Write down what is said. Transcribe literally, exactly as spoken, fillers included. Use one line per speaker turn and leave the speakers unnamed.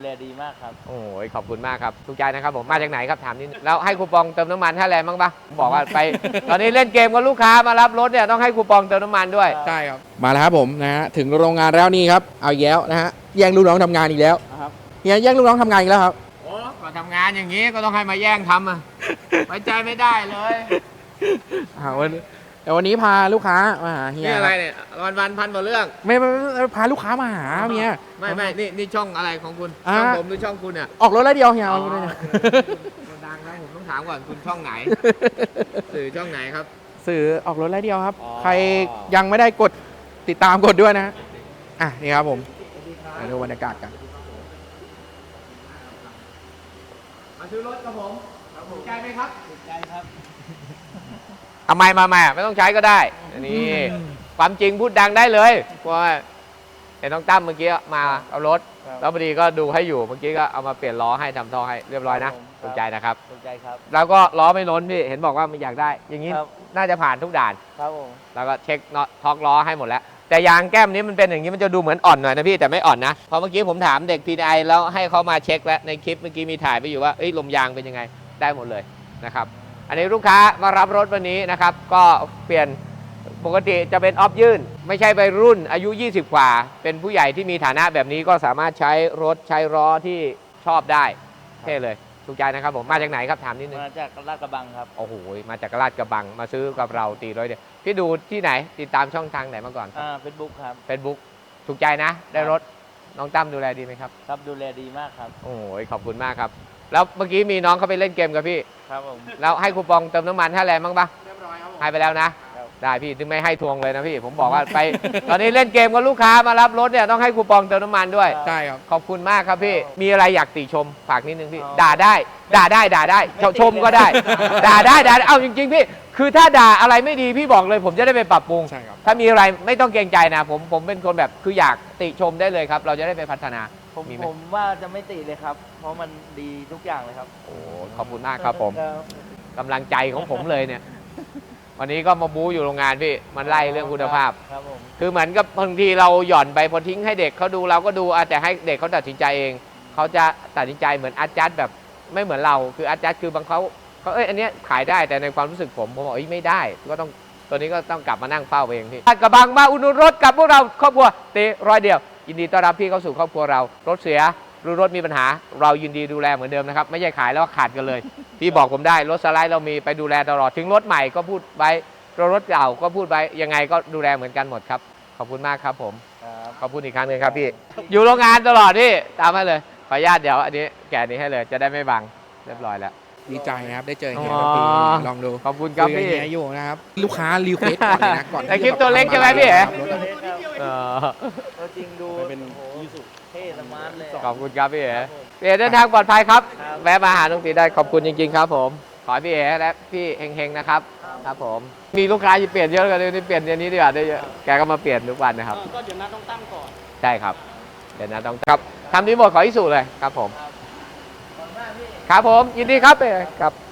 แลดีมากครับ
โอ้ยขอบคุณมากครับถูกใจนะครับผมมาจากไหนครับถามนิดนึงแล้วให้คูปองเติมน้ำมันท่าแรงบ้างปะบอกว่าไป ตอนนี้เล่นเกมกับลูกค้ามารับรถเนี่ยต้องให้คูปองเติมน้ำมันด้วย
ใช่ครับมาแล้วครับผมนะฮะถึงโรงงานแล้วนี่ครับเอาแย้วนะฮะแย่งลูกน้องทำงานอีกแล้วครับเฮียแย่งลูกน้องทำงานอีกแล้วครับ
โอ้ก็ทำงานอย่างนี้ก็ต้องให้มาแย่งทำอ่ะ ไว้ใจไม่ได้เลย
วันแต่วันนี้พาลูกค้ามาหาเฮีย
นี่อะไรเนี่ยวันวันพันกว่าเรื่อง
ไม่ไม่พาลูกค้ามาหาเมีย
ไม่ไม่นี่นี่ช่องอะไรของคุณช่องผมหรือช่องคุณเนี่ย
ออกรถแล้วเดียวเฮียเอาเลย
ดังแล้วผมต้องถามก่อนคุณช่องไหนสื่อช่องไหนครับ
สื่อออกรถแล้วเดียวครับใครยังไม่ได้กดติดตามกดด้วยนะอ่ะนี่ครับผมมาดูบรรยากาศกัน
มาซื้อรถกับผมถูกใจไหมครับ
ถูกใจครับ
ทำไมมาใหม่ไม่ต้องใช้ก็ได้อันนี้ความจริงพูดดังได้เลยเพราะว่าเห็นน้องตั้มเมื่อกี้มาเอารถแล้วพอดีก็ดูให้อยู่เมื่อกี้ก็เอามาเปลี่ยนล้อให้ทำท่อให้เรียบร้อยนะถูกใจนะครับ
ถูกใจครับ
แล้วก็ล้อไม่ล้นพี่เห็นบอกว่ามันอยากได้อย่างนี้น่าจะผ่านทุกด่าน
ครับผม
แล้วก็เช็คน็อตท็อกล้อให้หมดแล้วแต่ยางแก้มนี้มันเป็นอย่างนี้มันจะดูเหมือนอ่อนหน่อยนะพี่แต่ไม่อ่อนนะเพราะเมื่อกี้ผมถามเด็ก พี ดี ไอ แล้วให้เขามาเช็คแล้วในคลิปเมื่อกี้มีถ่ายไปอยู่ว่าลมยางเป็นยังไงได้หมดเลยนะครับอันนี้ลูกค้ามารับรถวันนี้นะครับก็เปลี่ยนปกติจะเป็นออฟยื่นไม่ใช่วัยรุ่นอายุยี่สิบกว่าเป็นผู้ใหญ่ที่มีฐานะแบบนี้ก็สามารถใช้รถใช้ล้อที่ชอบได้เท่เลยถูกใจนะครับผมมาจากไหนครับถามนิดนึง
มาจากลาดกระบังครับ
โอ้โหมาจากลาดกระบังมาซื้อกับเราตีร้อยเดียวพี่ดูที่ไหนติดตามช่องทางไหนมาก่อน
อ่าเฟซบุ๊กครับ
เฟซบุ๊กถูกใจนะได้รถน้องตั้มดูแลดีไหมครับ
ครับดูแลดีมากครับ
โอ้ยขอบคุณมากครับแล้วเมื่อกี้มีน้องเขาไปเล่นเกมกับพี่
ครับผม
แล้วให้คูปองเติมน้ำมันท่าแรงบ้างปะเรียบร้อยครับให้ไปแล้วนะได้พี่ถึงไม่ให้ทวงเลยนะพี่ผมบอกว่าไป ตอนนี้เล่นเกมกับลูกค้ามารับรถเนี่ยต้องให้คูปองเติมน้ำมันด้วย
ใช่ครับ
ขอบคุณมากครับพี่มีอะไรอยากติชมฝากนิดนึงพี่ด่าได้ด่าได้ด่าได้ชมก็ได้ด่าได้ด่าเอาจริงๆพี่คือถ้าด่าอะไรไม่ดีพี่บอกเลยผมจะได้ไปปรับปรุงถ้ามีอะไรไม่ต้องเกรงใจนะผมผมเป็นคนแบบคืออยากติชมได้เลยครับเราจะได้ไปพัฒนา
ผมผมว่าจะไม่ติเลยครับเพราะมันดีทุกอย่างเลยครับ
โอ้ขอบคุณมากครับผมกำลังใจของผมเลยเนี่ยวันนี้ก็มาบู๊อยู่โรงงานพี่มันไล่เรื่องคุณภาพคือเหมือนกับบางทีเราหย่อนไปพอทิ้งให้เด็กเขาดูเราก็ดูแต่ให้เด็กเขาตัดสินใจเองเขาจะตัดสินใจเหมือนอาจารย์แบบไม่เหมือนเราคืออาจารย์คือบางเขาเขาเอ้ยอันนี้ขายได้แต่ในความรู้สึกผมผมบอกไม่ได้ก็ต้องตัวนี้ก็ต้องกลับมานั่งเฝ้าเองพี่กระบังมาอุดหนุนรถกับพวกเราครอบครัวตีร้อยเดียวยินดีต้อนรับพี่เข้าสู่ครอบครัวเรารถเสียหรือรถมีปัญหาเรายินดีดูแลเหมือนเดิมนะครับไม่ใช่ขายแล้วขาดกันเลยพี่บอกผมได้รถสไลด์เรามีไปดูแลตลอดถึงรถใหม่ก็พูดไว้รถเก่าก็พูดไว้ยังไงก็ดูแลเหมือนกันหมดครับขอบคุณมากครับผมขอบคุณอีกครั้งหนึ่งครับพี่อยู่โรงงานตลอดพี่ตามให้เลยขออนุญาตเดี๋ยวอันนี้แกะนี้ให้เลยจะได้ไม่บังเรียบร้อยแล้ว
ดีใจนะครับได้เจอเฮียลองดู
ขอบคุณครับพี่
เฮียอยู่นะครับลูกค้ารีเควสก่อนเลยนะก่อน
แต่คลิปตัวเล็กใช่ไหมพี่
ตัวจริงดูเป็นยูสุเท่สมาร์ทเลย
ขอบคุณครับพี่เอ๋พี่เอ๋เดินทางปลอดภัยครับแวะมาหาน้องตีได้ขอบคุณจริงๆครับผมขอให้พี่เอ๋และพี่เฮงๆนะครับครับผมมีลูกค้าที่เปลี่ยนเยอะกันเลยเปลี่ยนอย่างนี้ดีกว่าได้เยอะแกก็มาเปลี่ยนทุกวันนะครับ
ก็เดี๋ยวนัดต้องตั้งก่อน
ใช่ครับเดี๋ยวนัดต้องครับทำที่หมดขออิสุเลยครับผมครับผมยินดีครับเอ๋ครับ